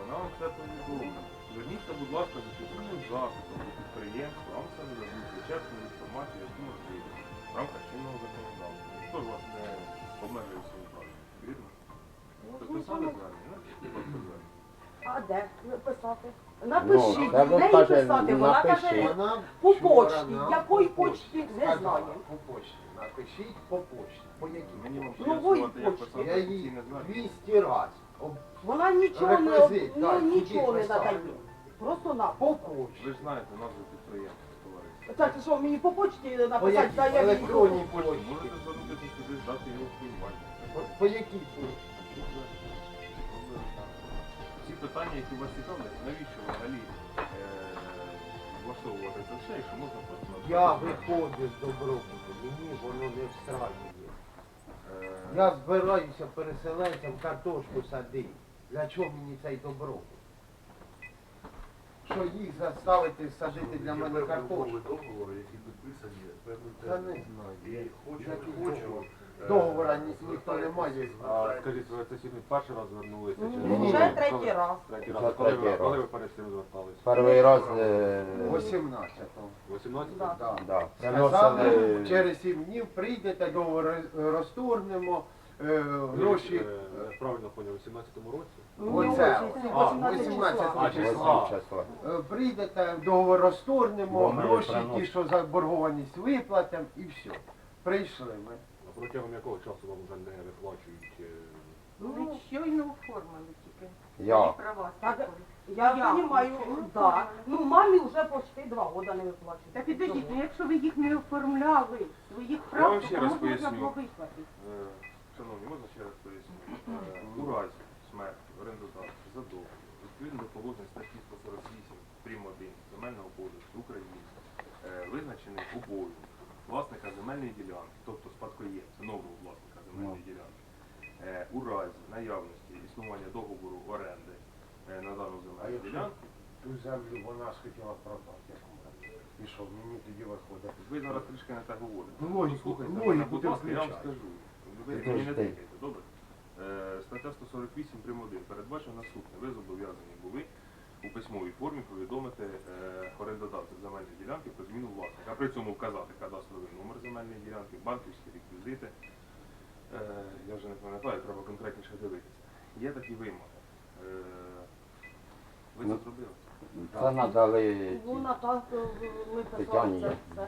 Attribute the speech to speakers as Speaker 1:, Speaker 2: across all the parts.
Speaker 1: вона вам все повідомить. Зверніться, будь ласка, за чотирним запитом до підприємства, вам все нададуть вичерпну інформацію, яку можливо, в рамках чинного законодавства. Ніхто ж вас не обмежує в своїй праві. Вірно? Підписали звернення? Напишіть, будь ласка, звернення.
Speaker 2: А де писати? Напишіть,
Speaker 3: Ну,
Speaker 2: де їй
Speaker 3: каже,
Speaker 2: писати? Вона
Speaker 3: напишіть.
Speaker 2: каже,
Speaker 4: Вона
Speaker 2: по
Speaker 4: вчора
Speaker 2: почті.
Speaker 4: нам
Speaker 2: Якої
Speaker 4: по
Speaker 2: почті, не
Speaker 4: сказала,
Speaker 2: знаю.
Speaker 4: По почті. Напишіть по почті. По якій?
Speaker 1: Мені вам
Speaker 2: Нової
Speaker 1: пояснювати, як
Speaker 2: почти.
Speaker 1: писати
Speaker 4: Я їй
Speaker 1: офіційне звернення.
Speaker 4: 200 разів.
Speaker 2: Вона нічого не,
Speaker 4: Реквізит,
Speaker 2: ну,
Speaker 4: так,
Speaker 2: нічого
Speaker 4: куди
Speaker 2: не
Speaker 4: писати?
Speaker 2: надає. Просто на.
Speaker 4: По почті.
Speaker 1: Ви ж знаєте назву підприємства, товариство.
Speaker 2: Так, що мені по почті
Speaker 4: По
Speaker 2: написати,
Speaker 4: якій?
Speaker 2: та я
Speaker 4: Електронній
Speaker 1: Можете
Speaker 4: почті.
Speaker 1: звернутися сюди, здати його впливання.
Speaker 4: По якій почті?
Speaker 1: Ці питання, які вас цікавлять, навіщо взагалі влаштовувати це все, якщо можна просто...
Speaker 4: Я виходжу з добробуту, мені воно не встраює. Я збираюся переселенцям картошку садити. Для чого мені цей добробут? Що їх заставити садити для мене картошку?
Speaker 5: Договори, які підписані певним
Speaker 4: Та не
Speaker 5: терміном.
Speaker 4: знаю.
Speaker 5: І хочу,
Speaker 4: Який
Speaker 5: не хочу.
Speaker 4: договор? Договора ніхто не має.
Speaker 6: А скажіть, ви це сьогодні перший раз звернулися? чи
Speaker 2: Ні, вже третій раз.
Speaker 6: Третій
Speaker 3: Вже
Speaker 6: раз.
Speaker 3: третій
Speaker 6: Коли
Speaker 3: раз.
Speaker 6: ви перед цим звертались?
Speaker 3: Перший раз
Speaker 4: 18-го.
Speaker 6: 18?
Speaker 4: Да.
Speaker 3: да,
Speaker 4: Сказали,
Speaker 3: приносили
Speaker 4: через 7 днів прийдете, договор розторгнемо, гроші.
Speaker 6: Правильно поняв, у 17-му році?
Speaker 4: Оце.
Speaker 2: А,
Speaker 4: 18
Speaker 6: числа.
Speaker 3: 8 числа.
Speaker 4: Прийдете, договор розторгнемо,
Speaker 3: Бо ми
Speaker 4: гроші,
Speaker 3: приносимо.
Speaker 4: ті, що заборгованість виплатимо і все. Прийшли ми.
Speaker 6: А протягом якого часу вам вже не виплачують?
Speaker 7: Ви щойно оформили тільки.
Speaker 3: Я.
Speaker 7: Права
Speaker 2: Так,
Speaker 7: спокійно.
Speaker 2: я
Speaker 7: Я.
Speaker 2: розумію, да. Ну, мамі вже почти 2 роки не виплачують.
Speaker 7: Та підождіть, ну якщо ви їх не оформляли, своїх
Speaker 1: Я
Speaker 7: прав,
Speaker 1: вам
Speaker 7: то
Speaker 1: ще
Speaker 7: кому
Speaker 1: раз
Speaker 7: можна
Speaker 1: поясню.
Speaker 7: було виплатити?
Speaker 1: Шановні, можна ще раз поясню? У разі смерті орендодавця за договір, відповідно до положень статті 148 прим. 1 Земельного кодексу України, визначений обов'язок власника земельної ділянки, тобто спадкоємця, нового власника земельної ділянки, у разі наявності існування договору оренди на дану земельну ділянку,
Speaker 4: Ту землю вона схотіла продати. як у мене. І що, мені тоді виходить?
Speaker 1: ви зараз трішки не так говорите.
Speaker 4: Ну, логіку-
Speaker 1: Слухайте
Speaker 4: логіку
Speaker 1: мене, будь
Speaker 4: ти
Speaker 1: ласка, я вам
Speaker 4: включай.
Speaker 1: скажу. Ви
Speaker 3: Ти
Speaker 1: мені не
Speaker 3: ж
Speaker 1: тикайте, добре? Стаття 148 прим. 1 передбачено наступне. Ви зобов'язані були у письмовій формі повідомити орендодавця земельної ділянки про зміну власника, а при цьому вказати кадастровий номер земельної ділянки, банківські реквізити. Я вже не пам'ятаю, треба конкретніше дивитися. Є такі вимоги. Ви це зробили?
Speaker 3: Це надали
Speaker 2: Ну, Наталка, ми
Speaker 3: Тетяні
Speaker 2: писали
Speaker 3: я.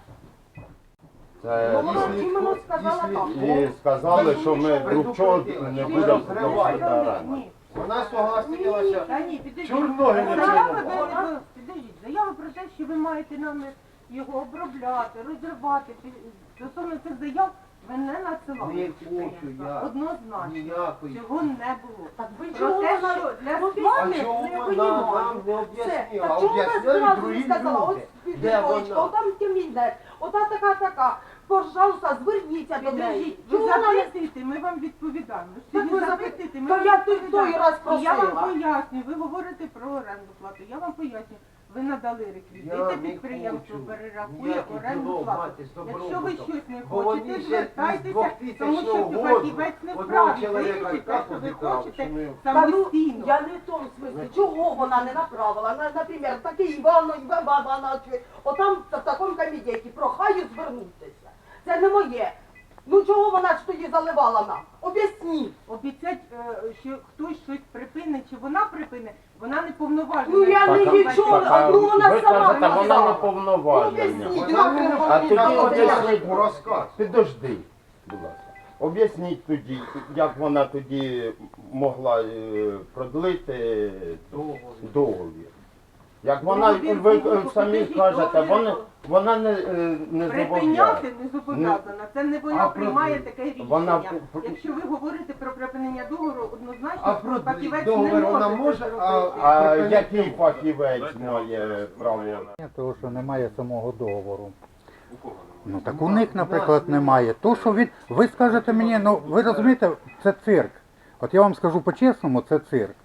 Speaker 2: це. Ну,
Speaker 3: це
Speaker 2: вона іменно сказала так.
Speaker 3: і сказали, що ми друг чого не будемо платити оренду.
Speaker 7: Ні.
Speaker 4: Вона согласилася.
Speaker 7: Та ні, підождіть.
Speaker 4: Чорноги не
Speaker 7: Заяви
Speaker 4: цілувала.
Speaker 7: ви- підождіть, заяви про те, що ви маєте нам його обробляти, розривати. Стосовно цих заяв ви не надсилали.
Speaker 4: Не
Speaker 7: до
Speaker 4: хочу
Speaker 7: підприємства.
Speaker 4: я.
Speaker 7: Однозначно.
Speaker 4: Ніякої.
Speaker 7: Цього не було.
Speaker 2: Так ви
Speaker 7: Про
Speaker 2: чого
Speaker 7: те,
Speaker 2: вона...
Speaker 7: що для
Speaker 2: Ну,
Speaker 4: А
Speaker 7: славних
Speaker 4: чого
Speaker 2: не
Speaker 4: вона
Speaker 2: понімаю.
Speaker 4: нам не
Speaker 2: Все.
Speaker 4: об'яснила?
Speaker 2: Так чого вона
Speaker 4: Об'ясняють
Speaker 2: зразу
Speaker 4: другі
Speaker 2: не сказала,
Speaker 4: люди.
Speaker 2: ось
Speaker 4: Де
Speaker 2: підводочка,
Speaker 4: вона?
Speaker 2: отам кабінет, ота така, пожалуйста, зверніться до неї.
Speaker 7: Підождіть, ви
Speaker 2: Чого вона не...
Speaker 7: запитуєте, ми вам відповідаємо.
Speaker 2: Так ви
Speaker 7: Ви
Speaker 2: запитуєте.
Speaker 7: запитуєте, ми
Speaker 2: Та
Speaker 7: вам
Speaker 2: я той
Speaker 7: відповідаємо.
Speaker 2: раз
Speaker 7: І я вам
Speaker 2: просила.
Speaker 7: пояснюю, ви говорите про оренду плату. Я вам пояснюю, ви надали
Speaker 4: Я
Speaker 7: реквізити,
Speaker 4: не
Speaker 7: підприємство
Speaker 4: хочу
Speaker 7: перерахує
Speaker 4: ніяких
Speaker 7: оренду
Speaker 4: ділов
Speaker 7: плату.
Speaker 4: мати з
Speaker 7: Якщо ви
Speaker 4: добробутом.
Speaker 7: щось не
Speaker 4: Бо вони
Speaker 7: хочете,
Speaker 4: ще з
Speaker 7: звертайтеся,
Speaker 4: 2000
Speaker 7: тому що
Speaker 4: року
Speaker 7: фахівець не
Speaker 4: одного
Speaker 7: вправі
Speaker 4: чоловіка
Speaker 7: вирішити те,
Speaker 4: так
Speaker 7: що ви
Speaker 4: обікрав,
Speaker 7: хочете
Speaker 4: що ми-
Speaker 2: Та ну,
Speaker 7: самостійно.
Speaker 2: я не в тому смислі, чого вона не направила. Наприклад, такий Іванович, отам в такому комітеті, прохаю звернутися. Це не моє. Ну чого вона ж тоді заливала нам? Об'ясніть.
Speaker 7: Обіцять, що хтось щось припинить, чи вона припинить, вона не повноважена.
Speaker 2: Ну, я не нічого,
Speaker 3: а
Speaker 2: ну вона
Speaker 3: ви
Speaker 2: сама
Speaker 3: кажете, вона не
Speaker 2: написала.
Speaker 3: повноважена.
Speaker 2: Об'ясніть,
Speaker 4: Вона
Speaker 2: як
Speaker 4: не
Speaker 2: ви
Speaker 3: А тоді
Speaker 2: могли
Speaker 3: об'ясніть,
Speaker 2: написати?
Speaker 4: розказ.
Speaker 3: Підожди, будь ласка. Об'ясніть тоді, як вона тоді могла продлити договір. Як вона,
Speaker 7: Договір
Speaker 3: ви
Speaker 7: був,
Speaker 3: самі
Speaker 7: покажіть
Speaker 3: кажете,
Speaker 7: договір.
Speaker 3: вона не зобов'язана.
Speaker 7: Припиняти не зобов'язана. Це не вона
Speaker 4: А
Speaker 7: приймає
Speaker 4: про-
Speaker 7: таке рішення.
Speaker 3: вона-
Speaker 7: Якщо ви говорите про припинення договору,
Speaker 4: А
Speaker 7: однозначно
Speaker 4: про
Speaker 7: фахівець
Speaker 4: договір
Speaker 7: не
Speaker 4: вона
Speaker 7: може
Speaker 4: може,
Speaker 7: це
Speaker 4: а-
Speaker 7: зробити.
Speaker 3: А який фахівець має право?
Speaker 8: Того, що немає самого договору.
Speaker 1: У кого
Speaker 8: Ну
Speaker 1: немає?
Speaker 8: так у них, наприклад, немає. То, що ви скажете мені, ну ви розумієте, це цирк. От я вам скажу по-чесному, це цирк.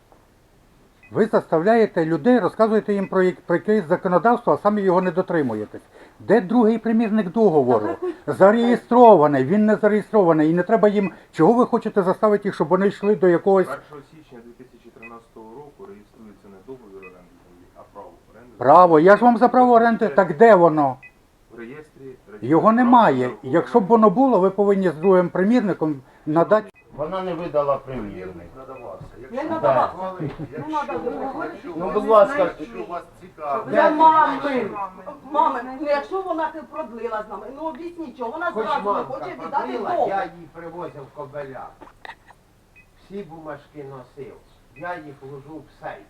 Speaker 8: Ви заставляєте людей, розказуєте їм про якесь законодавство, а самі його не дотримуєтесь. Де другий примірник договору? Зареєстрований, він не зареєстрований. І не треба їм, чого ви хочете заставити їх, щоб вони йшли до якогось...
Speaker 1: 1 січня 2013 року реєструється не договір оренди землі, а право оренди.
Speaker 8: Право, я ж вам за право оренди, так де воно?
Speaker 1: В реєстрі
Speaker 8: Його немає. Якщо б воно було, ви повинні з другим примірником надати.
Speaker 3: Вона не видала примірник.
Speaker 5: Примірник надавався.
Speaker 2: Не
Speaker 5: Якщо-
Speaker 2: надавався.
Speaker 5: Якщо-
Speaker 2: Не надо
Speaker 5: якщо
Speaker 3: Ну,
Speaker 5: вас-
Speaker 3: будь ласка.
Speaker 5: якщо вас цікавить.
Speaker 2: Для мами. Мами, ну якщо вона ти продлила з нами, ну об'ясніть, чого вона
Speaker 4: Хоч
Speaker 2: зразу не
Speaker 4: мамка
Speaker 2: хоче віддати
Speaker 4: продлила,
Speaker 2: договір.
Speaker 4: я їй привозив кобеля. Всі бумажки носив. Я їх ложу в сейф.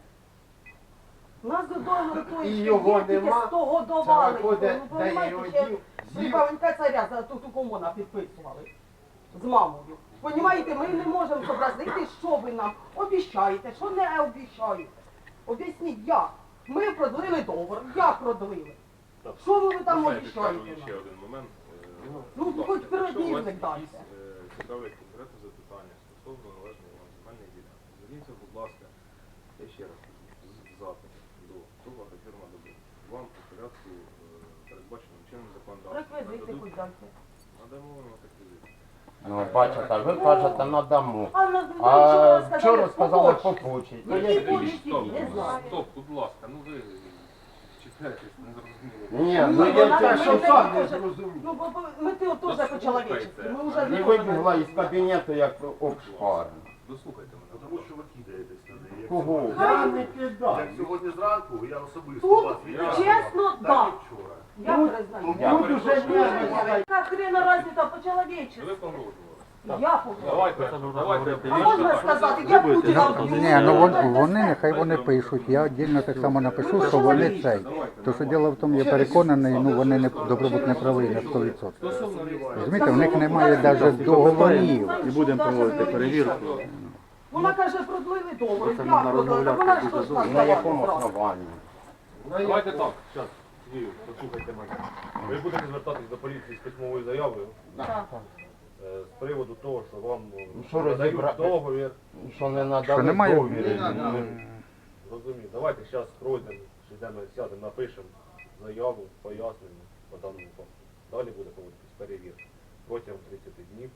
Speaker 2: У нас до договору тої
Speaker 4: І
Speaker 2: ще
Speaker 4: його
Speaker 2: є, тільки
Speaker 4: нема.
Speaker 2: 100 годували.
Speaker 4: Це виходить,
Speaker 2: Ну,
Speaker 4: де я
Speaker 2: понімаєте,
Speaker 4: його
Speaker 2: ще
Speaker 4: дів,
Speaker 2: при Павленка царя за ту комона підписували з мамою. Понімаєте, ми не можемо зобразити, що ви нам обіщаєте, що не обіщаєте. Об'ясніть, як? Ми продлили договор, як продлили? Що ви там
Speaker 1: Знаєте, скажу
Speaker 2: обіщаєте
Speaker 1: ще
Speaker 2: нам?
Speaker 1: один момент.
Speaker 2: Ну,
Speaker 1: Будь ласка,
Speaker 2: хоч передній
Speaker 1: якщо у вас
Speaker 2: дайте.
Speaker 1: якісь, цікавлять конкретне запитання стосовно належної вам земельної ділянки, зверніться, будь ласка, я ще раз кажу, з запитом до того агрофірма «Добро». Вам по порядку, передбаченим чином законодавством,
Speaker 2: Реквізити хоч дайте.
Speaker 1: надамо вам реквізити.
Speaker 3: Ну, бачите, ви кажете, надамо.
Speaker 2: А
Speaker 3: Вчора сказали
Speaker 2: по
Speaker 3: попучить. Ну,
Speaker 2: Які
Speaker 3: я-
Speaker 2: почті?
Speaker 1: Стоп,
Speaker 2: Не знаю.
Speaker 1: стоп, будь ласка, ну ви читаєтесь, не зрозуміло.
Speaker 3: Ні,
Speaker 2: Ну,
Speaker 3: ну я
Speaker 2: вона-
Speaker 3: те,
Speaker 2: ми
Speaker 3: що
Speaker 2: не
Speaker 3: сам не
Speaker 2: можемо.
Speaker 3: зрозумів.
Speaker 2: Ну, бо ми ти от теж по-чоловічески. Ми вже
Speaker 3: І
Speaker 2: не
Speaker 3: вибігла
Speaker 2: можемо.
Speaker 3: із кабінету, як обшпарена.
Speaker 1: Дослухайте мене.
Speaker 5: Тому що ви кидаєтесь на неї. Як
Speaker 3: Кого?
Speaker 5: сьогодні-
Speaker 3: Я не
Speaker 5: Як
Speaker 3: кидаю.
Speaker 5: сьогодні зранку, я особисто
Speaker 2: Тут,
Speaker 5: вас вітаю.
Speaker 2: чесно,
Speaker 5: Так
Speaker 2: да.
Speaker 5: і вчора.
Speaker 2: Я признаю.
Speaker 3: Тут уже нерви.
Speaker 2: Яка хрена разница
Speaker 1: Ви
Speaker 2: по-чоловічески?
Speaker 1: погрожували.
Speaker 2: Я погоджуюсь.
Speaker 1: Давайте.
Speaker 2: А можна сказати, я Путіна вб'ю?
Speaker 8: Ні, ну вони нехай вони пишуть. Я віддільно так само напишу, що вони цей. То що діло в тому, я переконаний, ну вони не добробут не правий на 100%.
Speaker 1: Стосовно реєстрації.
Speaker 8: Розумієте, в них немає навіть договорів.
Speaker 2: І будемо проводити перевірку. Вона каже, продлили договор. Я продлила. Вона ж теж
Speaker 3: На якому
Speaker 2: сказала.
Speaker 3: основанні?
Speaker 6: Давайте так, зараз, Юрій, послухайте мене. Ви будете звертатись до поліції з письмовою заявою
Speaker 2: Так.
Speaker 6: з приводу того, що вам
Speaker 3: що
Speaker 6: надають
Speaker 3: розібрати?
Speaker 6: договір.
Speaker 3: Що не надали
Speaker 8: Що немає?
Speaker 3: договір.
Speaker 6: Розумію. Давайте зараз пройдемо, сідемо, сядемо, напишемо заяву, пояснення по даному факту. Далі буде проводитись перевірка протягом 30 днів.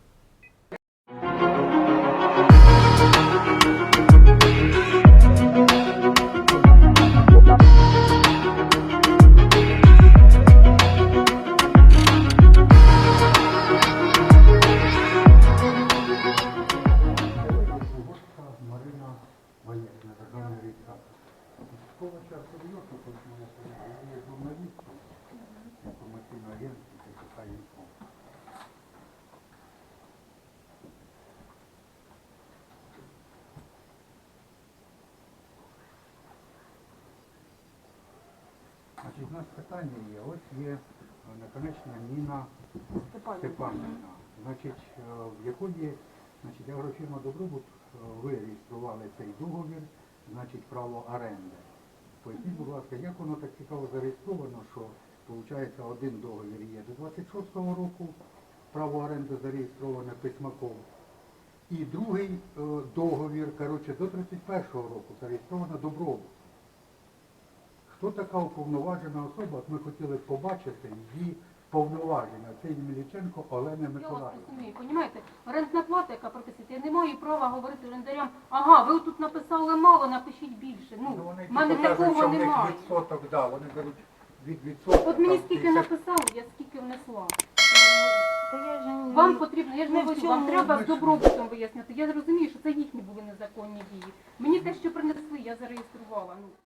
Speaker 8: Марина Валерьевна, державний реєстратор. Військова частина серйозно, тому що моя є журналістка, інформаційна агентська, ТК «Інфо». Значить, у нас питання є. Ось є наконечна Ніна Степанівна. Значить, в якої, значить, агрофірма «Добробут» ви реєстрували цей договір, значить, право оренди. Поясніть, будь ласка, як воно так цікаво зареєстровано, що, виходить, один договір є до 26-го року, право оренди зареєстроване Письмаком, і другий договір, коротше, до 31-го року зареєстровано Добробут. Хто така уповноважена особа? От ми хотіли б побачити її повноваження. Це Ємельченко Олена
Speaker 7: Я вас
Speaker 8: Миколаївна.
Speaker 7: розумію, понімаєте? Орендна плата, яка прописується, я не маю права говорити орендарям, ага, ви тут написали мало, напишіть більше. Ну,
Speaker 8: Вони
Speaker 7: в мене
Speaker 8: типу кажуть,
Speaker 7: такого
Speaker 8: що в них
Speaker 7: немає.
Speaker 8: відсоток, да, вони беруть від відсотка.
Speaker 7: От мені
Speaker 8: там,
Speaker 7: скільки
Speaker 8: 50.
Speaker 7: написали, я скільки внесла.
Speaker 2: Та я ж
Speaker 7: Вам потрібно, я ж не
Speaker 2: Ну, в
Speaker 7: хочу, вам
Speaker 2: цьому
Speaker 7: треба
Speaker 8: ми
Speaker 7: з
Speaker 8: ж-
Speaker 7: добробутом вияснити. Я розумію, що це їхні були незаконні дії. Мені те, що принесли, я зареєструвала. Ну.